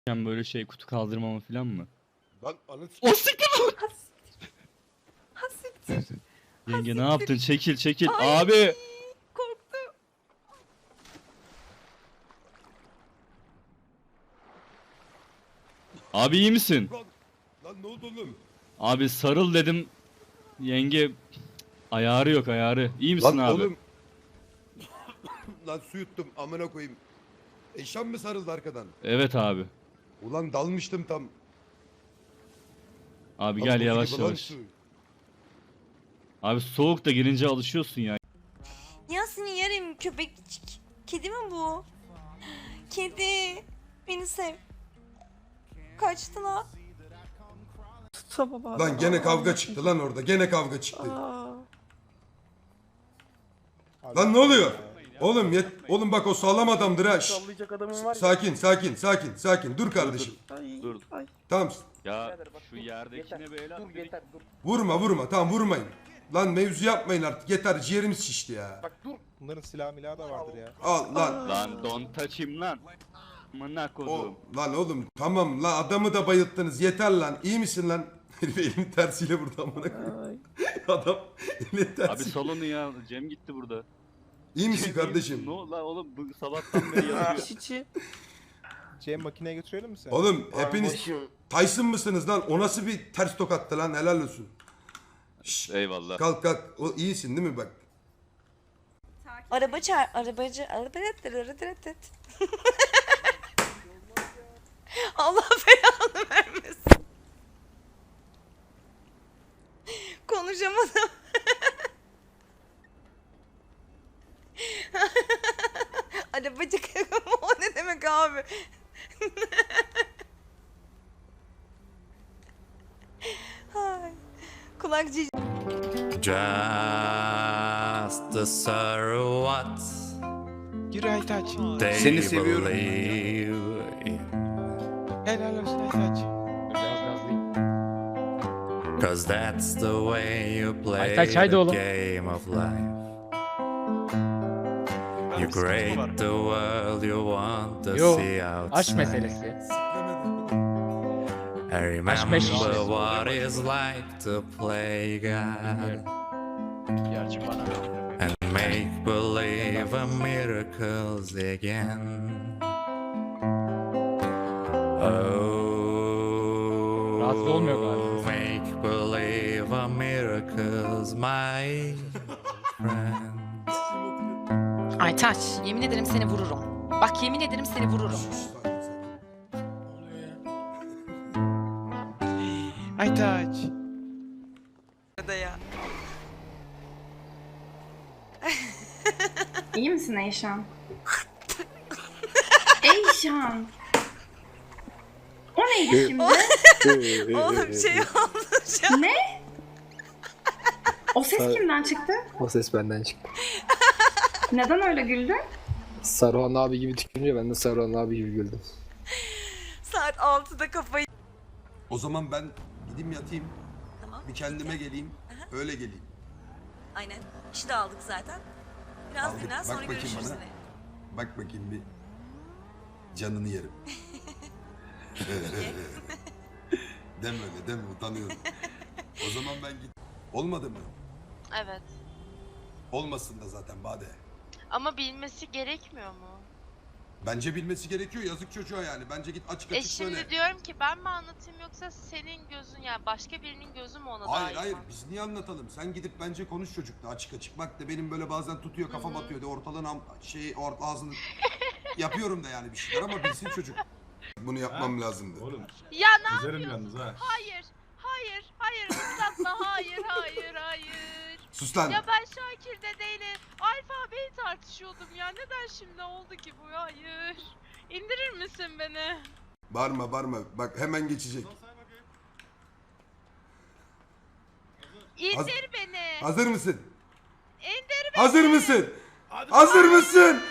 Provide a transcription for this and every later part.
Böyle şey kutu kaldırmama falan mı? Lan anı O siktir! Ha siktir. Yenge ne yaptın? Çekil çekil. Ay, Abi! korktum. Abi iyi misin? Lan ne oldu oğlum? Abi sarıl dedim. Yenge ayarı yok ayarı. İyi misin Lan abi? oğlum. Lan su yuttum amına koyayım. Eşan mı sarıldı arkadan? Evet abi. Ulan dalmıştım tam. Abi Lan gel buz yavaş gibi lan yavaş. su. Abi soğuk da girince alışıyorsun ya. Ya seni yerim köpek. Kedi mi bu? Kedi. Beni sev. Kaçtı lan. Tutamam abi. Lan gene kavga çıktı lan orada. Gene kavga çıktı. Lan ne oluyor? Oğlum oğlum bak o sağlam adamdır ha. Şşş. Sallayacak adamın var ya. Sakin sakin sakin sakin. Dur kardeşim. Ay, Dur. ay. Tamam. Ya Bak, şu dur, yerdekine yeter, böyle dur yeter dur. Vurma tamam vurmayın. Lan mevzu yapmayın artık. Yeter ciğerimiz şişti ya. Bak dur. Bunların silah milah da vardır ya. Al lan. Lan don't touch him lan. Amına kodum. Lan oğlum tamam lan adamı da bayılttınız. Yeter lan. İyi misin lan? Herif elimin tersiyle vurdu amına koyayım. Adam elinin Abi tersiyle. salonu ya. Cem gitti burada. İyi misin Cem, kardeşim? Ne oldu lan oğlum bu sabahtan beri yatıyor. Çiçi. Cem makineye götürelim mi sen? Oğlum hepiniz Tyson mısınız lan? O nasıl bir ters tokattı lan? Helal olsun. Şşş, Eyvallah. kalk kalk. O iyisin değil mi bak? Arabacı. Allah belanı vermesin. Konuşamadım. Arabacı o ne demek abi? Ay, kulak cici. Just the what Yürü Aytaç. they Seni seviyorum. believe in. Helal olsun Aytaç. 'Cause that's the way you play Aytaç, haydi the oğlum. game of life. You create the world you want to Yo, see aşk outside. meselesi. I remember meselesi. what it's like to play God Gerçi bana. and make believe a miracles again. Oh, Rahatsız olmuyor galiba. make believe a miracles, my friend. Aytaç, yemin ederim seni vururum. Bak yemin ederim seni vururum. Aytaç. Ya. İyi misin Eyşan? Eyşan! O neydi şimdi? Oğlum şey oldu şu an. Ne? O ses kimden çıktı? O ses benden çıktı. Neden öyle güldün? Saruhan abi gibi tükürünce ben de Saruhan abi gibi güldüm. Saat 6'da kafayı... O zaman ben gideyim yatayım. Tamam. Bir kendime geleyim. Öyle geleyim. Aynen. İşi de aldık zaten. Biraz Aldık. dinlen Bak sonra bakayım görüşürüz bana. yine. Bak bakayım bir. Canını yerim. Deme öyle deme utanıyorum. O zaman ben git. Olmadı mı? Evet. Olmasın da zaten Bade. Ama bilmesi gerekmiyor mu? Bence bilmesi gerekiyor yazık çocuğa yani. Bence git açık açık Şimdi söyle. diyorum ki ben mi anlatayım yoksa senin gözün yani başka birinin gözü mü ona Hayır dair hayır mi? biz niye anlatalım? Sen gidip bence konuş çocukla açık açık. Bak da benim böyle bazen tutuyor kafam atıyor de ortalığın ağzını yapıyorum da yani bir şeyler ama bilsin çocuk. Bunu yapmam lazımdı. Ya ne yapıyorsun? Hayır. Hayır ıslatma. Hayır. Sus lan. Ya ben Şakir'de değilim. Alfabeyi tartışıyordum ya. Neden şimdi oldu ki bu? Hayır. İndirir misin beni? Bağırma. Bak hemen geçecek. İndir beni. Hazır mısın? İndir beni. Hazır mısın? Hazır mısın?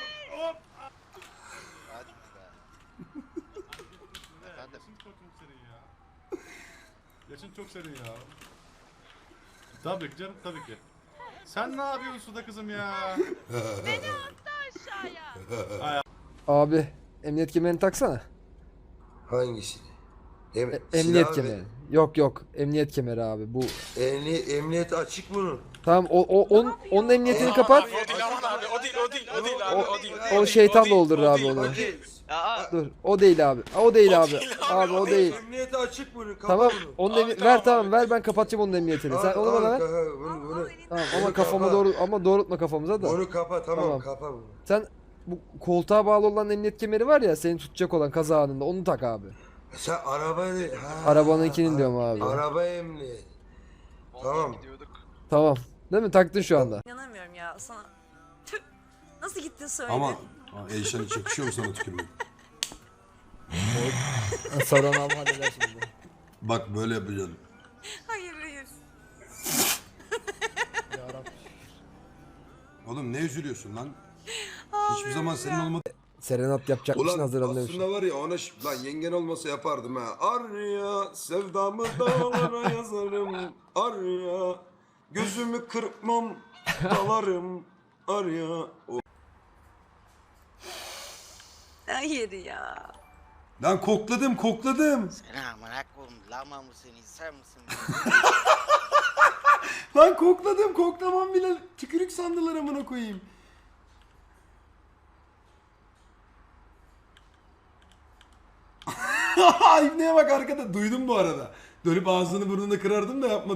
Yaşın çok serin ya. Tabii ki canım tabii ki. Sen ne yapıyorsun suda kızım ya? Beni attı aşağıya. Abi emniyet kemerini taksana. Hangisini? Emniyet kemeri. Yok yok, emniyet kemeri abi. Bu Emniyet açık bunun. tamam, onun emniyetini kapat. O şeytan doldurur abi onu. Dur, o değil abi. O değil abi. Abi o değil. Emniyeti açık bunun. Tamam, ver tamam, ver, ben kapatacağım onun emniyetini. Sen onu bana ver. Bunu. Tamam ama kafamı doğrultma kafamıza da. Bunu kapa Tamam. kapa bunu. Sen bu koltuğa bağlı olan emniyet kemeri var ya, seni tutacak olan kaza anında, onu tak abi. Sen arabayı... Arabanınkinin diyorum abi. Araba emniyet. Tamam. Tamam. Değil mi? Taktın şu anda. İnanamıyorum ya sana. Tüh. Nasıl gittin söyle. Ama Eyşan hiç yakışıyor mu sana tükürmek? Saran abi halleder şimdi. Bak böyle yapacaksın. Hayır. Oğlum ne üzülüyorsun lan? Hiçbir zaman senin olmadı. Serenat yapacakmışsın, Ulan hazırlanıyorsun. aslında var ya ona lan yengen olmasa yapardım ha. Arya sevdamı dağlara yazarım. Arya gözümü kırpmam dalarım. Arya. Hayır ya. Lan kokladım. Selamünaleyküm. Lama mısın, insan mısın? Lan kokladım. Koklamam bile tükürük sandılar amına koyayım. İbneye bak arkada. Duydum bu arada. Dönüp ağzını burnunu kırardım da yapmadım.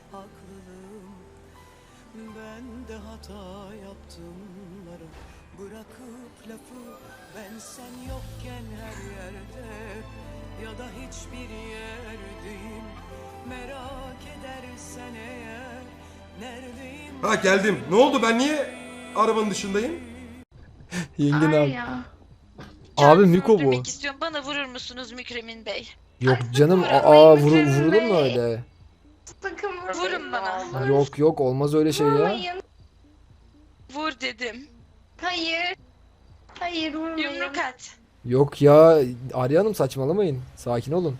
Ben de hata yaptımlara bırakıp lafı ben sen yokken her yerde ya da hiçbir yerdeyim merak edersen eğer neredeyim. Ha geldim. Ne oldu, ben niye arabanın dışındayım? Yengin abi. Ya. Abi Miko bu. istiyorum. Bana vurur musunuz Mükremin Bey? Yok canım. Vurulur mu öyle? Sakın Vurun bana. Yok olmaz öyle şey ya. Vurmayın. Vur dedim. Hayır. Hayır vurmayın. Yumruk at. Yok ya, Arya Hanım saçmalamayın. Sakin olun.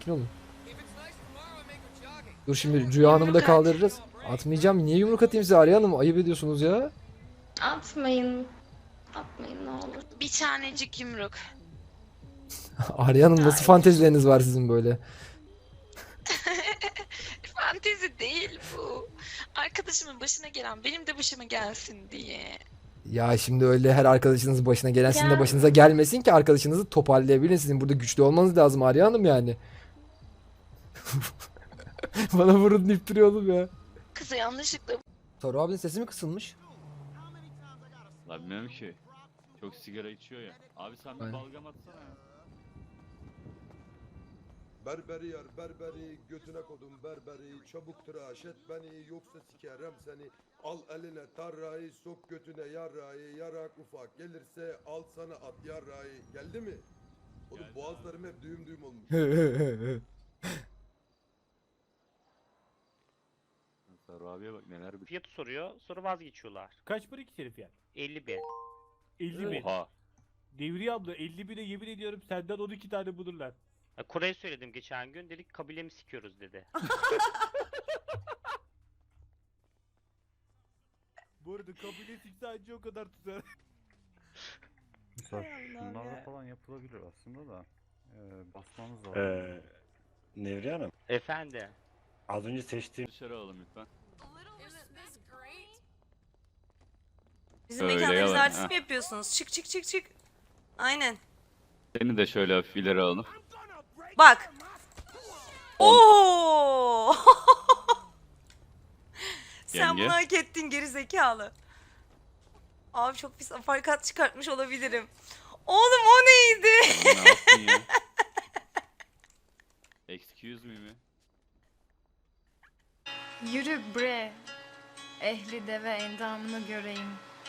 Dur şimdi Rüya Hanım'ı da kaldırırız. Atmayacağım. Niye yumruk atayım size Arya Hanım? Ayıp ediyorsunuz ya. Atmayın. Atmayın ne olur. Bir tanecik yumruk. Arya Hanım, nasıl fantezileriniz var sizin böyle? Fantezi değil bu. Arkadaşımın başına gelen benim de başıma gelsin diye. Ya şimdi öyle her arkadaşınızın başına gelen sizin de Ya. başınıza gelmesin ki arkadaşınızı toparlayabilin. Sizin burada güçlü olmanız lazım Arya Hanım yani. Bana vurun deyip duruyor oğlum ya. Kızı yanlışlıkla Toru abinin sesi mi kısılmış? La bilmiyorum ki. Çok sigara içiyor ya. Abi sen bir Aynen. balgam atsana ya. Berberi yar berberi götüne kodum berberi çabuk tıraş et beni yoksa sikerim seni al eline tarrayı sok götüne yarrayı yarak ufak gelirse al sana at yarrayı geldi mi? Oğlum Geldi boğazlarım hep düğüm olmuş. Sarı abiye bak neler bir. Fiyatı soruyor, sonra vazgeçiyorlar. Kaç para iki herif ya? 50 bin. 50 bin. Oha. Devriye abla 50 bine yemin ediyorum senden 12 tane bulurlar. Kore'ye söyledim geçen gün, dedik kabilemi sikiyoruz dedi. Bu arada kabile sikse anca o kadar tutar. Hay Allah'ım ya. falan yapılabilir aslında da basmanız lazım. Nevriye Hanım, Efendi. az önce seçtiğim Dışarı alalım lütfen. Bizim Öyle mekanda bize yalan, artist ha. mi yapıyorsunuz? Çık. Aynen. Seni de şöyle hafif ileri alalım. Bak. Oo. Sen Yenge. bunu hak ettin geri zekalı. Abi çok pis aparkat çıkartmış olabilirim. Oğlum o neydi? Ne yaptın ya? Excuse me mi? Yürü bre. Ehli deve endamını göreyim.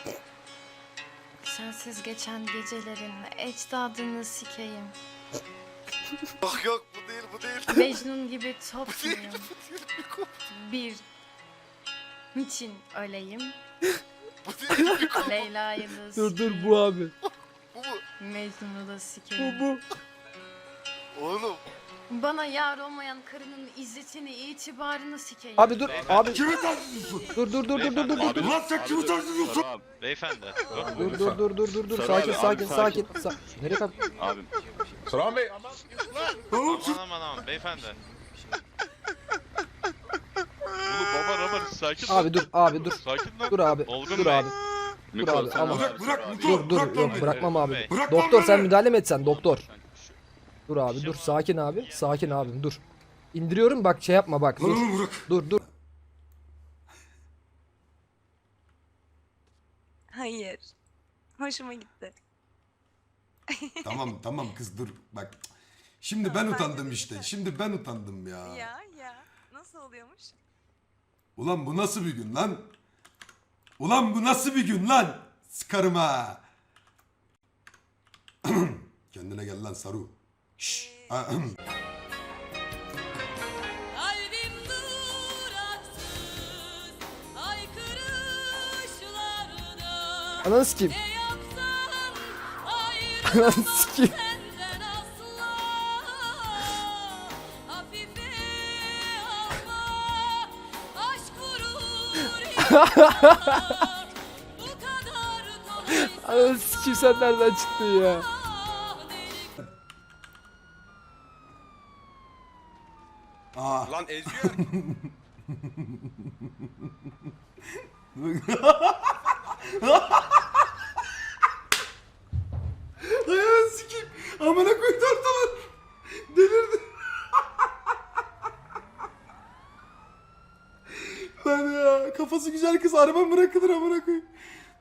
Sensiz geçen gecelerin ecdadını sikeyim. Yok bu değil. Mecnun gibi top muyum? Bir. Niçin öleyim? Leyla'yı da Dur sikeyim. bu abi. Mecnun'u da sikeyim. Bu. Oğlum. Bana yar olmayan karının izzetini, itibarını sikeyim. Abi dur abi. Kimi tartışıyorsun? Dur. Lan sen kimi tartışıyorsun? Beyefendi. Dur. Sarı abi, Sakin. abi, Nereye kalk? Abim. Turan Bey aman. Aman beyefendi. Abi dur abi dur. Dur abi. Dur abi. Dur abi ama. Dur yok bırakmam abi. Doktor sen müdahale mi etsen doktor? Dur abi dur sakin abi. Sakin abim dur. İndiriyorum bak şey yapma bak. Dur. Hayır. Hoşuma gitti. Tamam kız dur bak. Şimdi ben utandım işte. Şimdi ben utandım ya. Ya. Nasıl oluyormuş? Ulan bu nasıl bir gün lan? Ulan bu nasıl bir gün lan? Sıkarım ha. Kendine gel lan Saru. Şşş. Kalbim duraksız haykırışlarda Ananı sikeyim. ne yapsam Ananı sikeyim. senden asla hafife alma aşk vurur bu kadar kolay Ananı sikeyim sen nereden çıktın ya? Aa. Lan eziyor. Ayağını sikeyim. Amına koydu ortalar. Delirdi. Lan ya kafası güzel kız araba bırakılır amına koyayım.